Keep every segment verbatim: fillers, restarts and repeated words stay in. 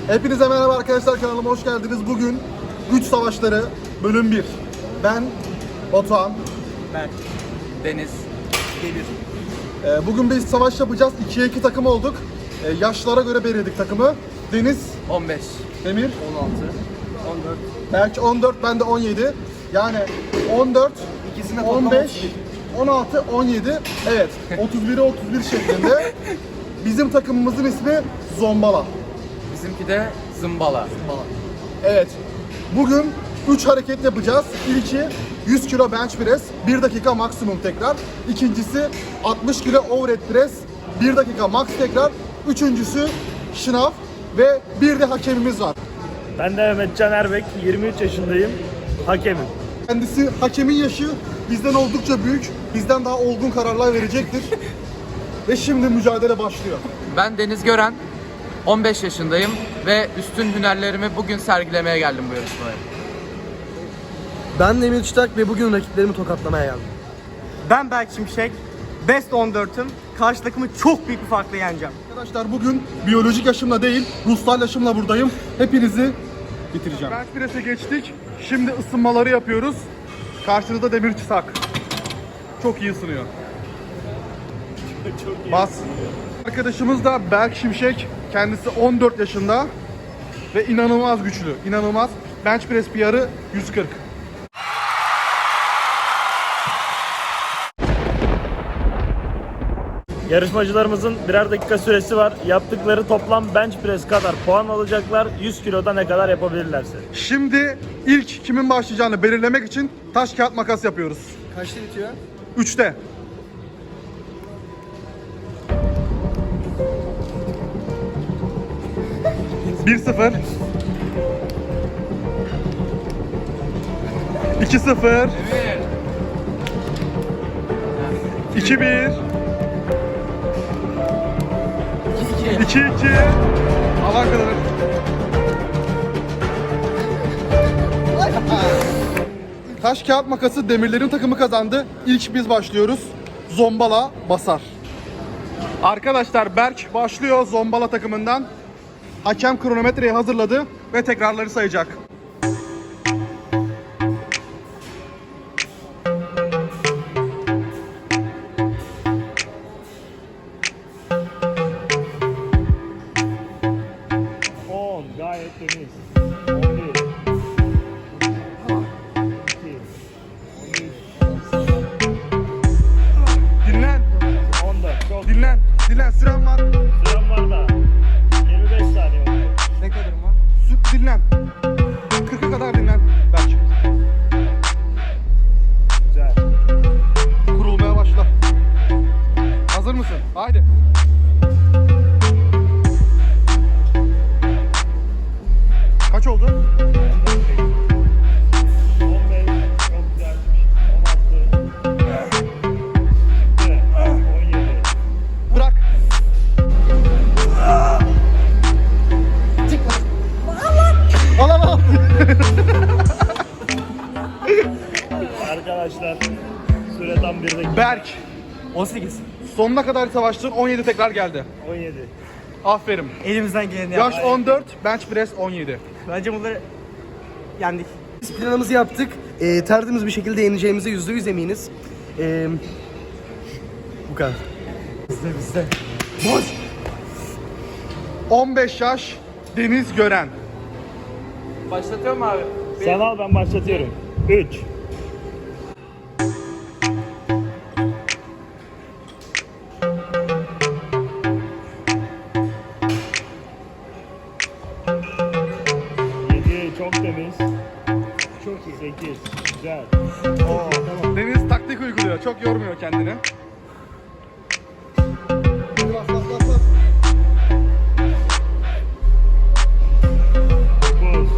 Hepinize merhaba arkadaşlar, kanalıma hoş geldiniz. Bugün Güç Savaşları bölüm bir. Ben Batuhan. Ben Deniz. Demir. Ee, bugün biz savaş yapacağız. ikiye iki takım olduk. Ee, yaşlara göre belirledik takımı. Deniz, on beş. Demir, on altı. on dört. Berk on dört, ben de on yedi. Yani on dört, İkisine on beş, on altı, on yedi. Evet, otuz bire otuz bir şeklinde. Bizim takımımızın ismi Zombala. Bizimki de zımbala. Evet. Bugün üç hareket yapacağız. İlki yüz kilo bench press, bir dakika maksimum tekrar. İkincisi altmış kilo overhead press, bir dakika max tekrar. Üçüncüsü şınav ve bir de hakemimiz var. Ben de Mehmetcan Erbek, yirmi üç yaşındayım, hakemim. Kendisi hakemin yaşı bizden oldukça büyük, bizden daha olgun kararlar verecektir. Ve şimdi mücadele başlıyor. Ben Deniz Gören. on beş yaşındayım ve üstün hünerlerimi bugün sergilemeye geldim bu yarışmaya. Ben Demir Çıtak ve bugün rakiplerimi tokatlamaya geldim. Ben Berk Şimşek, Best on dört'üm. Karşı takımı çok büyük bir farkla yeneceğim. Arkadaşlar bugün biyolojik yaşımla değil, ruhsal yaşımla buradayım. Hepinizi bitireceğim. Bench press'e geçtik. Şimdi ısınmaları yapıyoruz. Karşınızda Demir Çıtak. Çok iyi ısınıyor. Çok iyi. Bas. Arkadaşımız da Berk Şimşek. Kendisi on dört yaşında ve inanılmaz güçlü. İnanılmaz. Bench press P R'ı yüz kırk. Yarışmacılarımızın birer dakika süresi var. Yaptıkları toplam bench press kadar puan alacaklar. yüz kiloda ne kadar yapabilirlerse. Şimdi ilk kimin başlayacağını belirlemek için taş kağıt makas yapıyoruz. Kaçta bitiyor? üçte. bir sıfır. iki sıfır. iki bir. iki iki. Alan kadar. Taş kağıt makası Demirlerin takımı kazandı. İlk biz başlıyoruz. Zombala basar. Arkadaşlar Berk başlıyor Zombala takımından. Hakem kronometreyi hazırladı ve tekrarları sayacak. on gayet temiz. on bir. iki. Dinlen. on dört. Çok Dinlen. Dinlen. Süren var. süren var da. yirmi beş saniye var. Ne kadarım var? Sü- dinlen. kırka kadar dinlen. Berk. Güzel. Kurulmaya başla. Hazır mısın? Haydi. Kaç oldu? on beş. Çok güzel. on altı. Şimdi on yedi. Bırak. Al al al. Arkadaşlar süre tam bir dakika. Berk. on sekiz. Sonuna kadar savaştın. on yedi tekrar geldi. on yedi. Aferin. Elimizden geleni Yaş yaptık. on dört, bench press on yedi. Bence bunları yendik. Biz planımızı yaptık. Ee, tertemiz bir şekilde yeneceğimize yüzde yüz eminiz. Ee, bu kadar. on beş yaş Deniz Gören. Başlatıyor mu abi? Sen al, ben başlatıyorum. üç. yedi çok temiz. Çok iyi. sekiz güzel. Oo. Deniz taktik uyguluyor. Çok yormuyor kendini. Hadi bas bas bas bas. dokuz.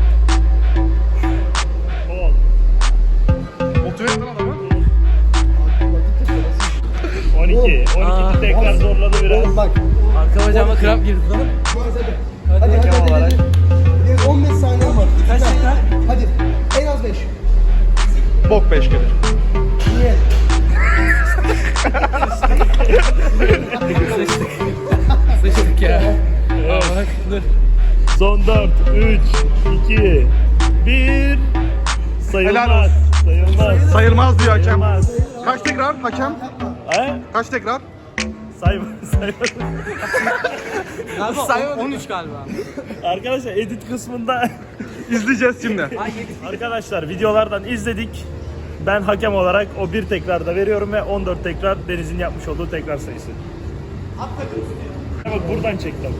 on. Motive et lan adamı. on iki. on iki tekrar zorladı biraz. Bak. Arka bacağıma kramp girdi lan. Hadi hadi hadi. hadi, hadi. Bir on beş saniye var. Kaç dakika? Hadi. En az beş. Bok beş gelir. Niye? Sıçtık ya. Ama dur. Son dört, üç, iki, bir. Sayılmaz. Helal olsun. Sayılmaz. Sayılmaz diyor hakem. Sayılmaz. Kaç tekrar hakem? He? Kaç tekrar? Sayma, sayılmaz. Galiba on üç galiba. Arkadaşlar edit kısmında İzleyeceğiz şimdi. arkadaşlar videolardan izledik. Ben hakem olarak o bir tekrarda veriyorum ve on dört tekrar Deniz'in yapmış olduğu tekrar sayısı. Bak buradan çektim.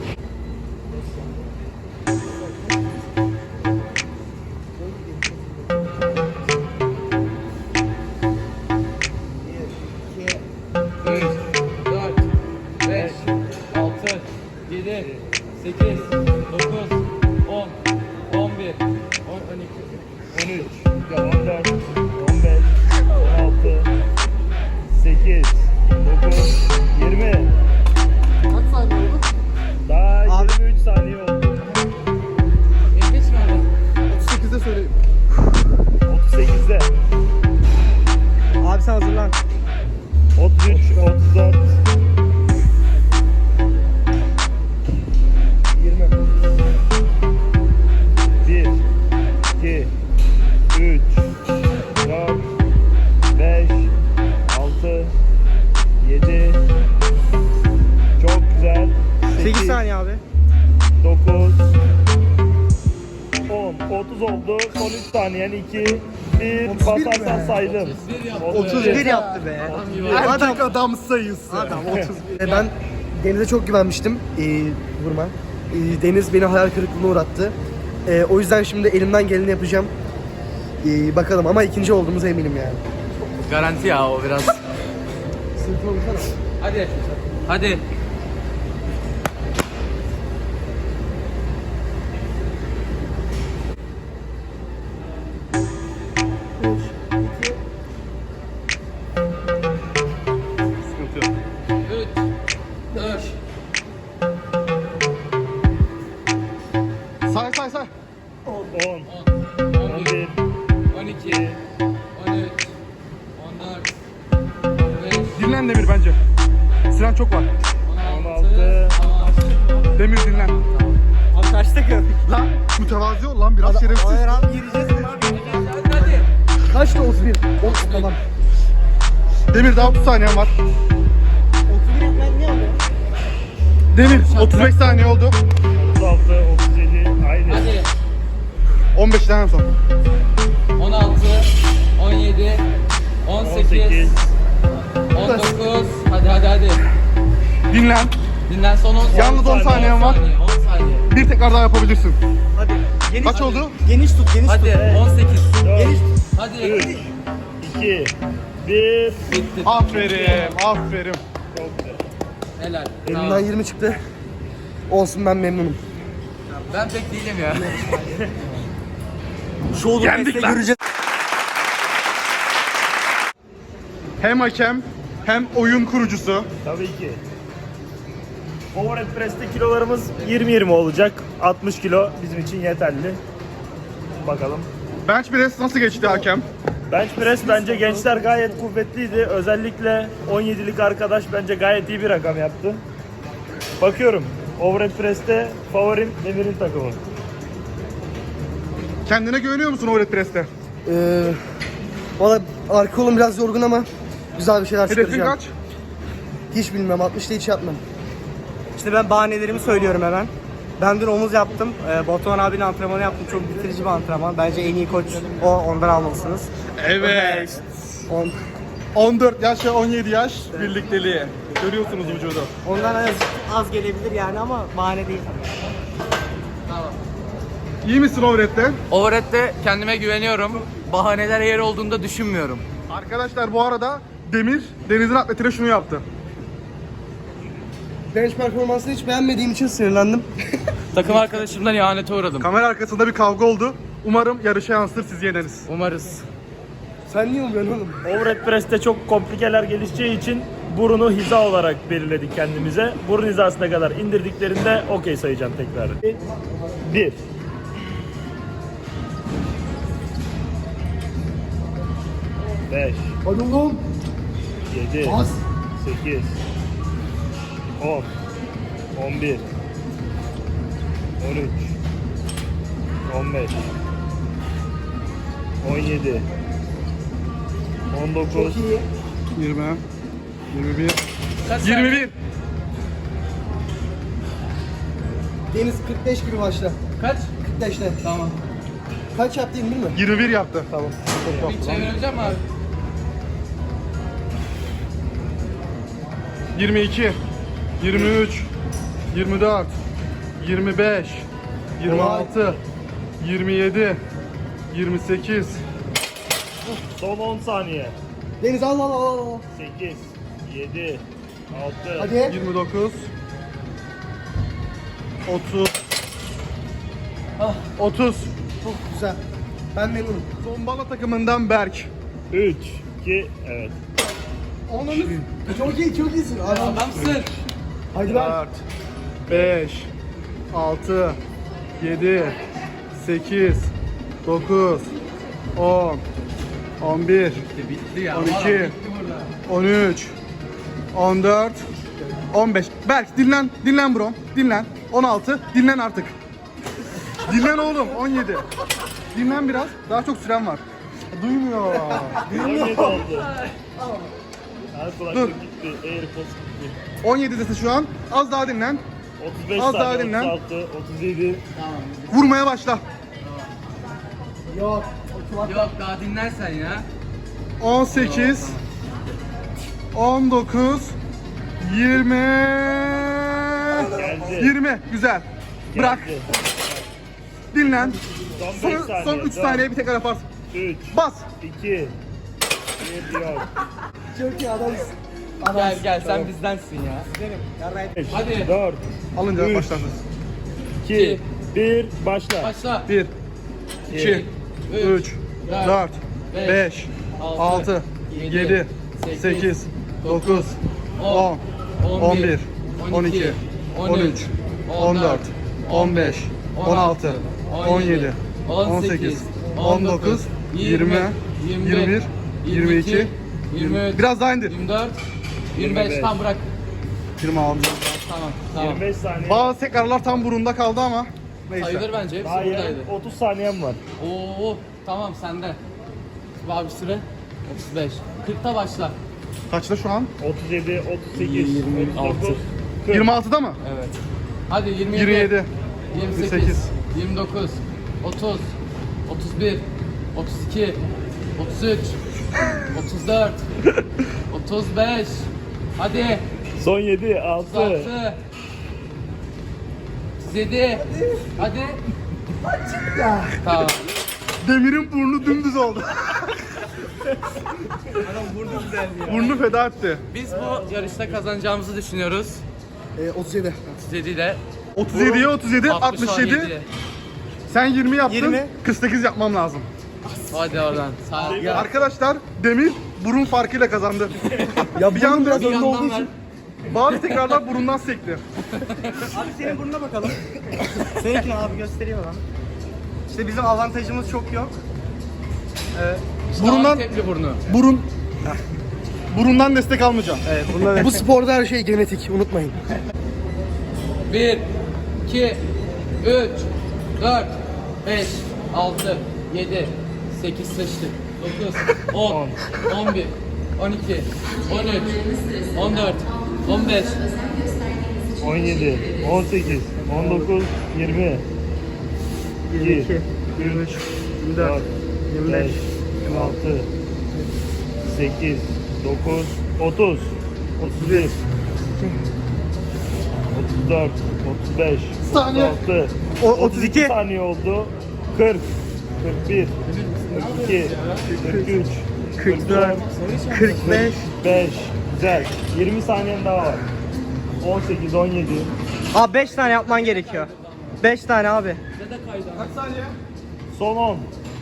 dört, beş, altı, yedi, sekiz, dokuz, on, on bir, on iki, on üç, on dört, on beş, on altı, sekiz, dokuz, yirmi. Kaç saniye oldu? Daha yirmi üç saniye oldu. yetmiş mi oldu? otuz sekizde söyleyeyim. otuz sekizde. Abi sen hazırlan. otuz üç, otuz dört. yirmi. bir, iki, üç, dört, beş, altı, yedi. Çok güzel. sekiz saniye abi. dokuz, on, otuz oldu. Son üç saniyen iki, bir. Basarsan saydım. otuz bir yaptı be. Erkek adam sayısı. Adam otuz bir. E, Ben Deniz'e çok güvenmiştim. Ee, vurma. Ee, Deniz beni hayal kırıklığına uğrattı. Ee, o yüzden şimdi elimden geleni yapacağım. Ee, bakalım ama ikinci olduğumuza eminim yani. Garanti ya o biraz. Sırtına vursana. Hadi. Hadi. Sıkıntı yok. üç, dört, Say say say. on, on, on on bir, bir, on iki, on üç, on dört, on beş, Dinlen Demir bence. Süren çok var. on on altı, altı. Demir dinlen. Abi kaç takım? Lan mütevazi ol lan biraz şerefsiz. Hayır abi gireceğiz abi. hadi hadi. Kaçtı? otuz bir. otuz tamam. Demir daha otuz saniyen var. otuz bir etmen ne oluyor? Demir otuz beş saniye oldu. otuz altı, otuz yedi. Aynı. Hadi. on beşten son. on altı, on yedi, on on sekiz, sekiz. on dokuz. Hadi hadi hadi. Dinlen. Dinlen son on saniye. Yalnız on saniyen var. on saniye. Bir tekrar daha yapabilirsin. Hadi. Geniş, Kaç oldu? Geniş tut, geniş Hadi tut. on sekiz. Geniş tut. Hadi. üç, iki, bir. Bitti. Aferin, aferin. Çok güzel. Helal. Elimden Tamam. yirmi çıktı. Olsun, ben memnunum. Ben pek değilim ya. Shoulder Yendik press'te lan. göreceğiz. Hem hakem hem oyun kurucusu. Tabii ki. Overhead press'te kilolarımız yirmi yirmi olacak. altmış kilo bizim için yeterli. Bakalım. Bench press nasıl geçti hakem? Bench press bence gençler gayet kuvvetliydi. Özellikle on yedilik arkadaş bence gayet iyi bir rakam yaptı. Bakıyorum. Overhead press'te favorim Demir'in takımı. Kendine güveniyor musun overhead press'te? Ee, Valla arka kolum biraz yorgun ama güzel bir şeyler Hedefin çıkaracağım. kaç? Hiç bilmem. altmışta hiç yapmam. İşte ben bahanelerimi söylüyorum hemen. Ben dün omuz yaptım. Ee, Batuhan abinin antrenmanı yaptım. Çok bitirici bir antrenman. Bence en iyi koç o. Ondan almalısınız. Evet. on. on dört yaş ve on yedi yaş birlikteliği. Görüyorsunuz vücudu. Ondan az, az gelebilir yani ama bahane değil. İyi misin overhead'te? Overhead'de kendime güveniyorum. Bahaneler yer olduğunda düşünmüyorum. Arkadaşlar bu arada Demir, Deniz'in atletine şunu yaptı. Bench performansını hiç beğenmediğim için sinirlendim. Takım arkadaşımdan ihanete uğradım. Kamera arkasında bir kavga oldu. Umarım yarışa yansır, siz yeneriz. Umarız. Sen niye umuyorsun oğlum? Overhead press'te çok komplikeler gelişeceği için burunu hiza olarak belirledik kendimize. Burun hizasına kadar indirdiklerinde okey sayacağım tekrar. bir. beş. Hadi oğlum. yedi. Bas. sekiz. on. on bir. on üç. on beş, on yedi, on dokuz, Çok iyi. yirmi, yirmi bir, yirmi bir. Deniz kırk beş gibi başla. Kaç? kırk beşte. Tamam. Kaç yaptı değil mi? yirmi bir yaptı. Tamam. Bir çevireceğim abi. yirmi iki, yirmi üç, yirmi dört, yirmi beş, yirmi altı, yirmi yedi, yirmi sekiz, son on saniye. Deniz al al al al. sekiz, yedi, altı, Hadi. yirmi dokuz, otuz, otuz. Çok güzel. Ben memnunum. Zombala takımından Berk. üç, iki, evet. Onun çok iyi, çok iyisin. Hadi. Adamsın. Hadi lan. dört, beş, altı, yedi, sekiz, dokuz, on, on bir, Bitti ya. on iki, Valla bitti burada. on üç, on dört, on beş. Berk dinlen, dinlen bro, dinlen. on altı, dinlen artık. Dinlen oğlum, on yedi. Dinlen biraz, daha çok süren var. Duymuyor. on yedi oldu. Her kulaklık Dur. gitti. Airpods gitti. on yedidesin şu an, az daha dinlen. otuz beş Az daha saniye, dinlen. otuz altı, otuz yedi. Vurmaya başla. Yok. Yok daha dinlersen ya. on sekiz, on dokuz, yirmi, Geldi. yirmi. Güzel. Bırak. Geldi. Dinlen. Son beş Son, saniye. son üç dört, saniye bir tekrar yaparsın. üç, Bas. iki, bir yok. Çok iyi adamsın. Gel gel sen bizdensin ya. beş, Hadi. dört, Alınca Üç. başlarsın. iki, bir, başla. Başla. bir, iki, üç, dört, beş, altı, yedi, sekiz, dokuz, on, on bir, on iki, on üç, on dört, on beş, on altı, on yedi, on sekiz, on dokuz, yirmi, yirmi bir, yirmi iki, yirmi üç, biraz daha indir. yirmi dört, yirmi yirmi beş beş. tam bırak. yirmi altı. Tamam tamam. yirmi beş saniye. Bazı tekrarlar tam burunda kaldı ama neyse. Sayılır bence hepsi Daha buradaydı. yarım otuz saniyem var. Oo tamam sende. Abi süre otuz beş. kırkta başla. Kaçta şu an? otuz yedi, otuz sekiz, yirmi altı. otuz dokuz, kırk. yirmi altıda mı? Evet. Hadi yirmi yedi, yirmi yedi, yirmi yirmi sekiz, sekiz, yirmi dokuz, otuz, otuz bir, otuz iki, otuz üç, otuz dört, otuz beş. Hadi. Son yedi, otuz altı, altı. otuz yedi. Hadi. Tamam. Demir'in burnu dümdüz oldu. Burnu feda etti. Biz bu yarışta kazanacağımızı düşünüyoruz. Ee, otuz yedi. otuz yedi ile otuz yediye otuz yedi, altmış yedi. Sen yirmi yaptın. yirmi. kırk sekiz yapmam lazım. Hadi oradan. Sağ ol. Arkadaşlar Demir burun farkıyla kazandı. Ya bir bunun yandan biraz Bir önde yandan olduğu ver. için. bazı tekrarlar burundan sekti. Abi senin burnuna bakalım. Seninkini abi göstereyim hemen. İşte bizim avantajımız çok yok. Burundan Tepli burnu. burun burundan destek almayacağım. Evet bununla Bu sporda her şey genetik, unutmayın. bir, iki, üç, dört, beş, altı, yedi, sekiz sıçtık. dokuz, on, on bir, on iki, on üç, on dört, on beş, on yedi, on sekiz, on dokuz, yirmi, yirmi iki, yirmi üç, yirmi dört, yirmi beş, yirmi altı, sekiz, dokuz, otuz, otuz bir, otuz dört, otuz beş, Saniye. otuz altı, O- otuz iki saniye oldu. kırk, kırk bir, kırk iki, kırk üç, kırk dört, kırk beş. beş, güzel. yirmi saniyen daha var. on sekiz, on yedi, Abi beş tane yapman gerekiyor. beş tane abi. son on.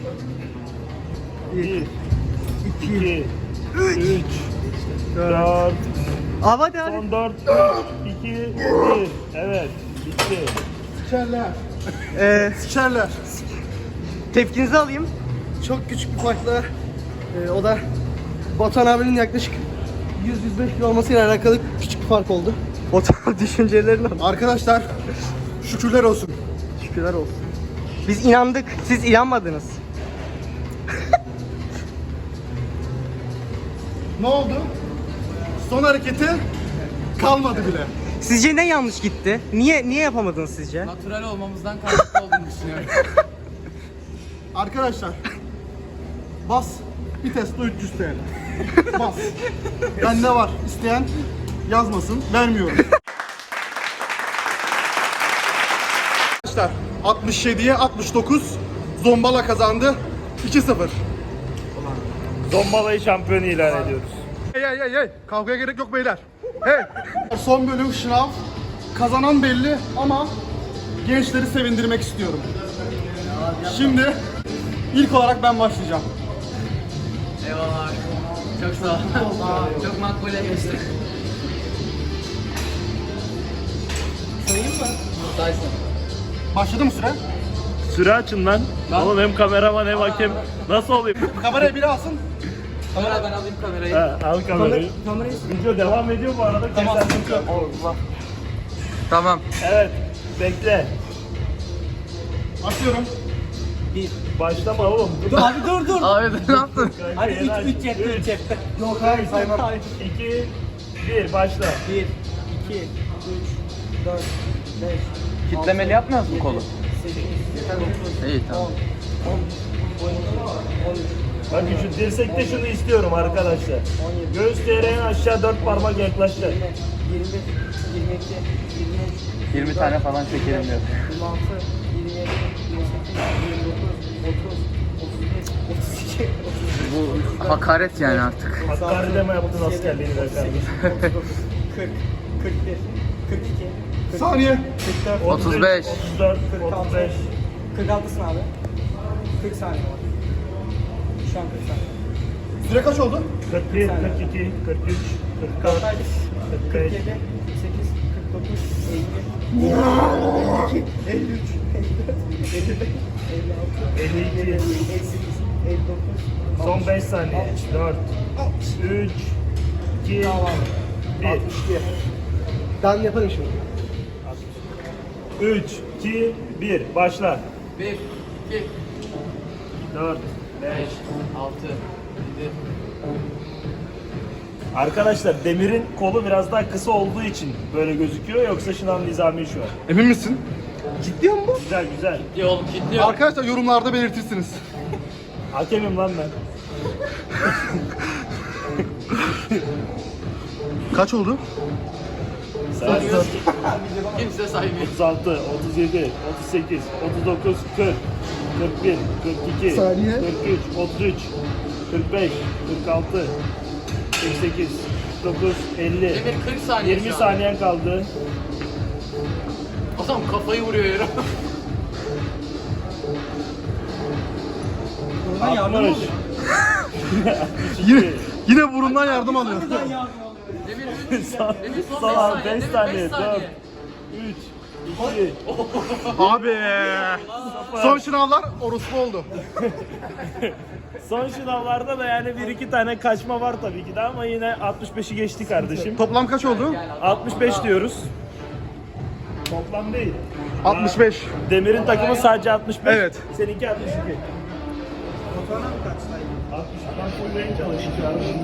bir, iki, üç, dört, Abi hadi hadi. son dört, iki, bir. Evet, bitti. Sikerler. Ee, Sikerler. tepkinizi alayım. Çok küçük bir farkla, e, o da Batuhan abinin yaklaşık yüz yüz beş kilo olmasıyla alakalı küçük bir fark oldu. O tarz düşüncelerini al. Arkadaşlar şükürler olsun. Şükürler olsun. Biz inandık, siz inanmadınız. Ne oldu? Son hareketi kalmadı bile. Sizce ne yanlış gitti? Niye niye yapamadınız sizce? Natural olmamızdan kaynaklı olduğunu düşünüyorum. Arkadaşlar bas bir Tesla üç yüz T L. Bas. Bende var. İsteyen yazmasın. Vermiyorum. Arkadaşlar altmış yediye altmış dokuz Zombala kazandı. iki sıfır. Zombalayı şampiyon ilan ediyoruz. Hey hey hey hey. Kavgaya gerek yok beyler. Hey. Son bölüm şınav. Kazanan belli ama gençleri sevindirmek istiyorum. Şimdi ilk olarak ben başlayacağım. Eyvallah. Çok sağ ol. Çok makbule geçti. Sayayım mı? Saysın. Başladı mı süre? Süre açın lan. Oğlum hem kameraman hem hakem. Nasıl olayım? Kamerayı biri alsın. Kamera ben alayım kamerayı. Ha, al kamerayı. Video devam ediyor bu arada. Tamam, Kesersin. sıkıntı yok. Allah. Tamam. Evet. Bekle. Açıyorum. Başlama oğlum. Abi dur dur. Abi ne yaptın? Hadi Yeni aç. üç üç cepte üç cepte. Yok hayır saymam. iki, bir, başla. bir, iki, üç, dört, beş, Kitlemeli yapmıyoruz mu kolu? sekiz, İyi tamam. Bakın şu dirsekte şunu istiyorum arkadaşlar. Göğüs direğine aşağı dört parmak yaklaşacak. yirmi, yirmi iki, yirmi üç, yirmi tane falan çekelim diyor. yirmi altı, yirmi yedi, yirmi sekiz, yirmi dokuz, otuz, otuz bir, otuz iki, otuz üç. Bu hakaret yani artık. Hakkari mi yaptın askerliğini be kardeşim? kırk, kırk bir, kırk iki, kırk Saniye. kırk dört, otuz beş. otuz dört, kırk otuz altı, beş. kırk altısın abi. kırk saniye var. Şu an kırk saniye. Süre kaç oldu? kırk bir, kırk iki, kırk üç, kırk dört, kırk kırk beş. yedi, kırk sekiz, kırk dokuz, elli, elli iki, elli üç, elli dört, elli beş, elli altı, elli iki. elli sekiz, elli dokuz. Son beş saniye. dört, üç, iki, bir. Ben yaparım şimdi. üç, iki, bir. Başla. bir, iki, dört, beş. beş, altı, yedi. Arkadaşlar Demir'in kolu biraz daha kısa olduğu için böyle gözüküyor. Yoksa Şınav nizami şu an. Emin misin? Ciddi mi bu? Güzel güzel. Gitti oğlum gitti. Arkadaşlar yorumlarda belirtirsiniz. Hakemim lan ben. Kaç oldu? Sayıyoruz. Kimse saymıyor. otuz altı, otuz yedi, otuz sekiz, otuz dokuz, kırk, kırk bir, kırk iki, Saniye. kırk üç, otuz üç, kırk beş, kırk altı, kırk sekiz, kırk dokuz, elli. Demir kırk saniye yirmi şu an. saniyen kaldı. Adam kafayı vuruyor yere. altmış. Yine, yine burundan yardım alıyor. Demir üç. Demir son Son beş beş saniye. saniye. Demir beş dört, saniye. üç, iki. Abi. Son şınavlar orospu oldu. Son sınavlarda da yani bir iki tane kaçma var tabii ki de ama yine altmış beşi geçti kardeşim. Toplam kaç oldu? altmış beş diyoruz. Toplam değil. altmış beş. Demir'in takımı sadece altmış beş. Evet. Seninki altmış iki. Fotoğrafına mı kaçsaydın? altmıştan full range alışık.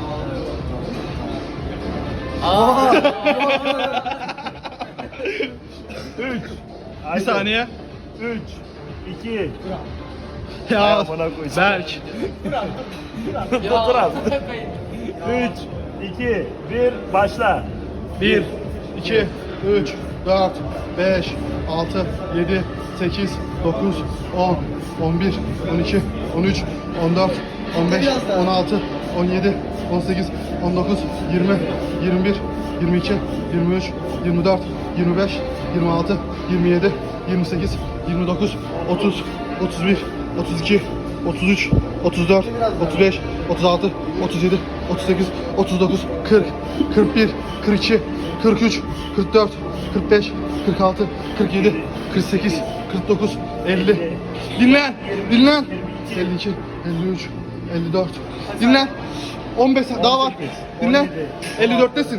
üç. Bir saniye. üç. iki. Ya Berk. Berk. Fotoğraf. üç. iki. bir. Başla. bir, iki, üç, dört, beş, altı, yedi, sekiz, dokuz, on, on bir, on iki, on üç, on dört, on beş, on altı, on yedi, on sekiz, on dokuz, yirmi, yirmi bir, yirmi iki, yirmi üç, yirmi dört, yirmi beş, yirmi altı, yirmi yedi, yirmi sekiz, yirmi dokuz, otuz, otuz bir, otuz iki, otuz üç, otuz dört, otuz beş, otuz altı, otuz yedi, otuz sekiz, otuz dokuz, kırk, kırk bir, kırk iki, kırk üç, kırk dört, kırk beş, kırk altı, kırk yedi, kırk sekiz, kırk dokuz, elli. Dinlen, dinlen. elli iki, elli üç, elli dört. Dinlen. on beş daha var. Dinlen. elli dörttesin.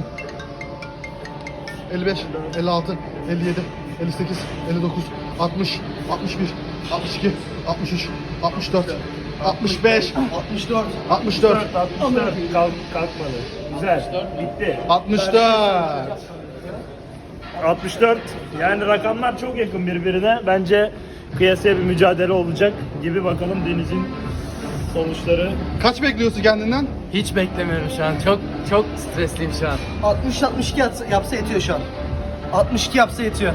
elli beş, elli altı, elli yedi, elli sekiz, elli dokuz, altmış, altmış bir, altmış iki, altmış üç, altmış dört, altmış beş, altmış dört. altmış dört, altmış dört kalk, kalkmadı. Güzel. Bitti. altmış dört. altmış dört. Yani rakamlar çok yakın birbirine. Bence kıyasaya bir mücadele olacak gibi. Bakalım Deniz'in sonuçları. Kaç bekliyorsun kendinden? Hiç beklemiyorum şu an. Çok çok stresliyim şu an. altmış altmış iki yapsa, yapsa yetiyor şu an. altmış iki yapsa yetiyor.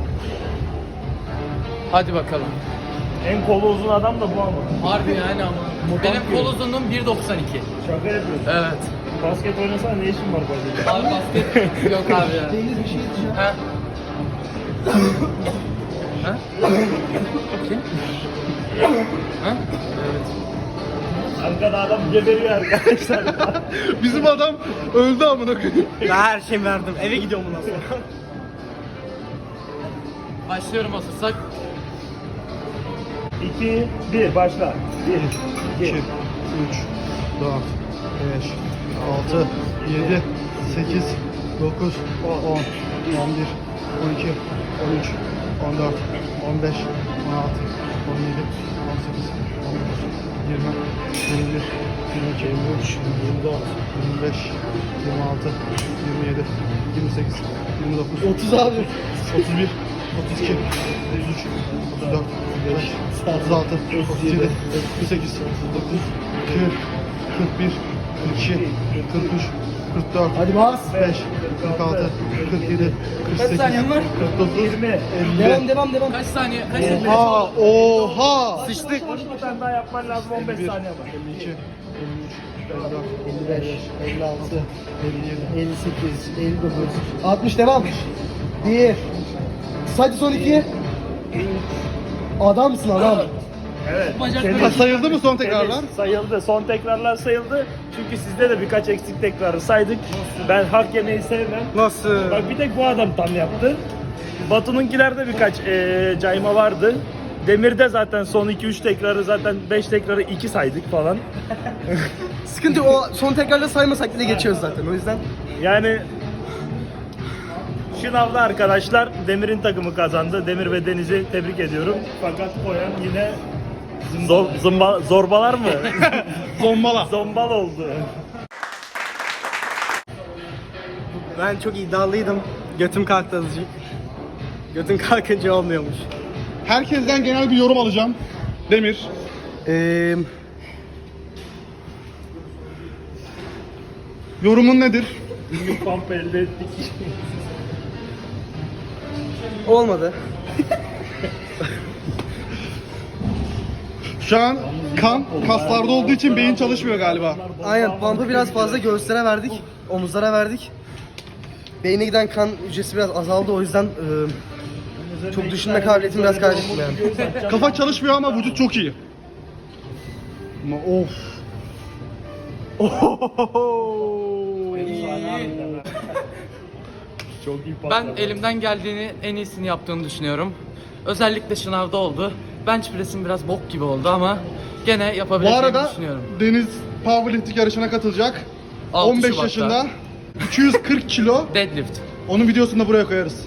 Hadi bakalım. En kolu uzun adam da bu ama. Harbi yani ama. Benim kol uzunluğum bir doksan iki. Şaka yapıyorsun. Evet. Basket oynasana ne işin var böyle? Abi basket yok abi ya. Deniz bir şey diyeceğim. Ha? Ha? Kim? Ha? Evet. Arkada adam geberiyor arkadaşlar. Bizim adam öldü amına koyayım. Ben her şeyi verdim. Eve gidiyorum bundan sonra. Başlıyorum hazırsak. iki, bir, başla. bir, iki, üç, dört, beş, altı, yedi, sekiz, dokuz, on, on bir, on iki, on üç, on dört, on beş, on altı, on yedi, on sekiz, on dokuz, yirmi, yirmi bir, yirmi iki, yirmi üç, yirmi dört, yirmi beş, yirmi altı, yirmi yedi, yirmi sekiz, yirmi dokuz, otuz abi. otuz bir, otuz iki, otuz üç, otuz dört, otuz beş, otuz altı, otuz yedi, otuz sekiz, dokuz, kırk, kırk bir, kırk iki, kırk üç, kırk dört, Hadi bas. beş, kırk altı, kırk yedi, kırk sekiz, saniyen var? kırk dokuz, yirmi. elli. Devam devam devam. Kaç saniye? Kaç saniye? Oha, oha. Sıçtık. Bir tane daha yapman lazım, on beş saniye var. elli iki, elli üç, elli dört, elli beş, elli altı, elli yedi. elli sekiz, elli dokuz, altmış devam. bir. Hadi son iki. Adamsın adam. Evet. Ha, sayıldı mı son tekrarlar? Evet, sayıldı. Son tekrarlar sayıldı. Çünkü sizde de birkaç eksik tekrarı saydık. Ben hak yemeyi sevmem. Nasıl? Bak bir tek bu adam tam yaptı. Batu'nunkilerde birkaç eee, cayma vardı. Demir'de zaten son iki üç tekrarı zaten beş tekrarı iki saydık falan. Sıkıntı yok, o son tekrarla saymasak bile geçiyoruz zaten o yüzden. Yani şınavda arkadaşlar Demir'in takımı kazandı. Demir ve Deniz'i tebrik ediyorum. Fakat koyan yine zor, zımba, zorbalar mı? Zombala. Zombal oldu. Ben çok iddialıydım. Götüm kalktı azıcık. Götün kalkınca olmuyormuş. Herkesten genel bir yorum alacağım. Demir. Ee, Yorumun nedir? Günlük pump elde ettik. olmadı. Şu an kan kaslarda olduğu için beyin çalışmıyor galiba. Aynen, pump'ı biraz fazla göğüslere verdik, omuzlara verdik. Beyne giden kan hücresi biraz azaldı, o yüzden e, çok düşünme kabiliyetim biraz kaybettim yani. Kafa çalışmıyor ama vücut çok iyi. Ama of. Çok iyi Ben patladı. elimden geldiğini en iyisini yaptığını düşünüyorum. Özellikle şınavda oldu. Bench press'im biraz bok gibi oldu ama gene Bu yapabileceğimi arada düşünüyorum. Deniz powerlifting yarışına katılacak. altı on beş Şubat'ta. yaşında. iki yüz kırk kilo. Deadlift. Onun videosunu da buraya koyarız.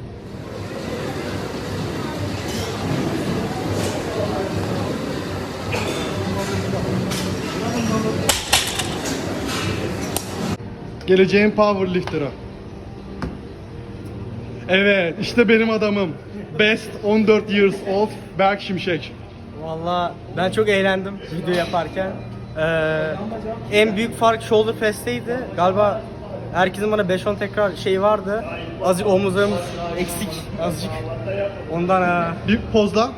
Geleceğin powerlifter'ı. Evet, işte benim adamım. Best on dört years old Berk Şimşek. Valla ben çok eğlendim video yaparken. Ee, en büyük fark shoulder press'teydi. Galiba herkesin bana beş on tekrar şey vardı. Azıcık omuzlarım eksik azıcık. Ondan ha. Bir pozla.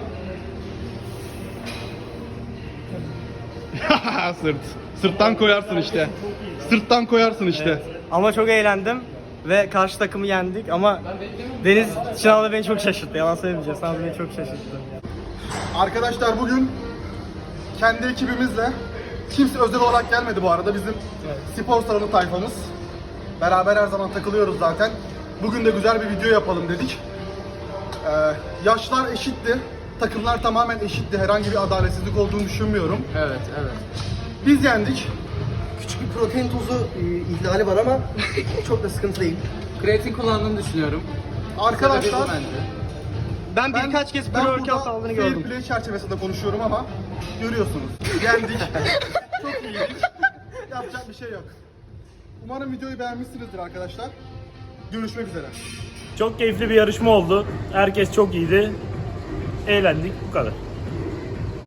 Sırt. Sırttan koyarsın işte. Sırttan koyarsın işte. Ama çok eğlendim ve karşı takımı yendik ama Deniz sınavda beni çok şaşırttı. Yalan söylemeyeceğim. Sınavda beni çok şaşırttı. Arkadaşlar bugün kendi ekibimizle, kimse özel olarak gelmedi bu arada, bizim spor salonu tayfamız. Beraber her zaman takılıyoruz zaten. Bugün de güzel bir video yapalım dedik. Ee, yaşlar eşitti, takımlar tamamen eşitti. Herhangi bir adaletsizlik olduğunu düşünmüyorum. Evet, evet. Biz yendik. Küçük bir protein tozu e, ihlali var ama çok da sıkıntı değil. Kreatin kullandığını düşünüyorum. Arkadaşlar Sebebi bu bence. Ben birkaç kez ben pre-workout burada aldığını fair gördüm. play çerçevesinde konuşuyorum ama görüyorsunuz. Yendik. Çok iyiydik. Yapacak bir şey yok. Umarım videoyu beğenmişsinizdir arkadaşlar. Görüşmek üzere. Çok keyifli bir yarışma oldu. Herkes çok iyiydi. Eğlendik. Bu kadar.